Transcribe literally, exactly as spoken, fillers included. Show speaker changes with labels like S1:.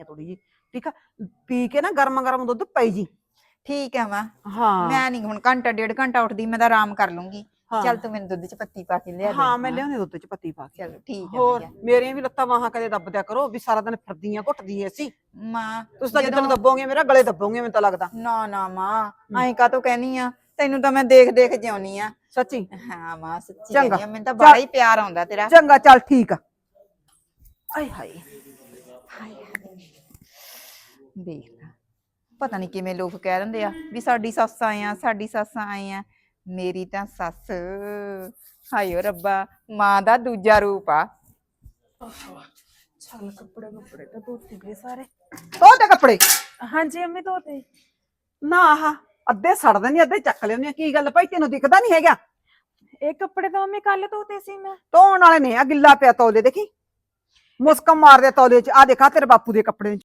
S1: ਥੋੜੀ ਜੀ ਠੀਕ ਆ ਪੀ ਕੇ ਨਾ ਗਰਮ ਗਰਮ ਦੁੱਧ ਪਈ ਜੀ
S2: ਠੀਕ ਹੈ ਮਾਂ
S1: ਹਾਂ
S2: ਮੈਂ ਨਹੀਂ ਹੁਣ ਘੰਟਾ ਡੇਢ ਘੰਟਾ ਉੱਠਦੀ ਮੈਂ ਤਾਂ ਆਰਾਮ ਕਰ ਲੂੰਗੀ
S1: ਹਾਂ।
S2: ਚੱਲ ਤੂੰ ਮੈਨੂੰ ਦੁੱਧ ਚ ਪੱਤੀ ਪਾ ਕੇ ਲਿਆ ਦੇ
S1: ਹਾਂ ਮੈਂ ਲਿਆਉਂਦੀ ਦੁੱਧ ਚ ਪੱਤੀ ਪਾ ਕੇ
S2: ਚਲੋ ਠੀਕ ਹੈ
S1: ਹੋਰ
S2: ਭਈਆ।
S1: ਮੇਰੀਆਂ ਵੀ ਲੱਤਾਂ ਬਾਹਾਂ ਕਦੇ ਦੱਬ ਦਿਆ ਕਰੋ ਵੀ ਸਾਰਾ ਦਿਨ ਫਿਰਦੀਆਂ ਘੁੱਟਦੀ ਐ ਸੀ
S2: ਮਾਂ
S1: ਤੁਸੀਂ ਤਾਂ ਜਿੱਦਣ
S2: ਜਦੋਂ-
S1: ਦੱਬੋਗੇ ਮੇਰਾ ਗਲੇ ਦੱਬੋਗੇ ਮੈਨੂੰ ਤਾਂ ਲੱਗਦਾ
S2: ਨਾ ਨਾ ਮਾਂ ਐਂ ਕਾਹਤੋਂ ਕਹਿਨੀ ਆ ਤੈਨੂੰ ਤਾਂ ਮੈਂ ਦੇਖ ਦੇਖ ਜਿਉਣੀ ਆ
S1: ਸੱਚੀ
S2: ਹਾਂ ਮਾਂ ਸੱਚੀ
S1: ਚੰਗਾ।
S2: ਕਹਿੰਦੀ ਆ ਮੈਨੂੰ ਤਾਂ ਬੜਾ ਹੀ ਪਿਆਰ ਆਉਂਦਾ ਤੇਰਾ
S1: ਚੰਗਾ ਚੱਲ ਠੀਕ ਆ ਆਏ ਹਾਏ
S2: ਦੇਖ ਲੈ ਪਤਾ ਨਹੀਂ ਕਿਵੇਂ ਲੋਕ ਕਹਿ ਦਿੰਦੇ ਆ ਵੀ ਸਾਡੀ ਸੱਸ ਆਏ ਆ ਸਾਡੀ ਸੱਸ ਆਏ ਆ ਮੇਰੀ ਤਾਂ ਸੱਸ ਹਾਇਓ ਰੱਬਾ ਮਾਂ ਦਾ ਦੂਜਾ ਰੂਪ ਆ
S1: ਚੱਲ ਕੱਪੜੇ ਕੱਪੜੇ ਤਾਂ ਧੋਤੇ ਗਏ ਸਾਰੇ ਧੋਤੇ ਕੱਪੜੇ
S3: ਹਾਂਜੀ ਅੰਮੀ ਧੋਤੇ
S1: ਨਾ ਆਹ ਅੱਧੇ ਸੜਦੇ ਨਹੀਂ ਅੱਧੇ ਚੱਕ ਲਿਆਉਂਦੇ ਆ ਕੀ ਗੱਲ ਭਾਈ ਤੈਨੂੰ ਦਿਖਦਾ ਨਹੀਂ ਹੈਗਾ
S3: ਇਹ ਕੱਪੜੇ ਤਾਂ ਮੰਮੀ ਕੱਲ ਧੋਤੇ ਸੀ ਮੈਂ
S1: ਧੋਣ ਵਾਲੇ ਨੇ ਆ ਗਿੱਲਾ ਪਿਆ ਤੌਲੇ ਦੇਖੀ ਮੁਸਕਮ ਮਾਰਦੇ ਤੌਲੇ ਚ ਆ ਦੇਖਾ ਤੇਰੇ ਬਾਪੂ ਦੇ ਕੱਪੜੇ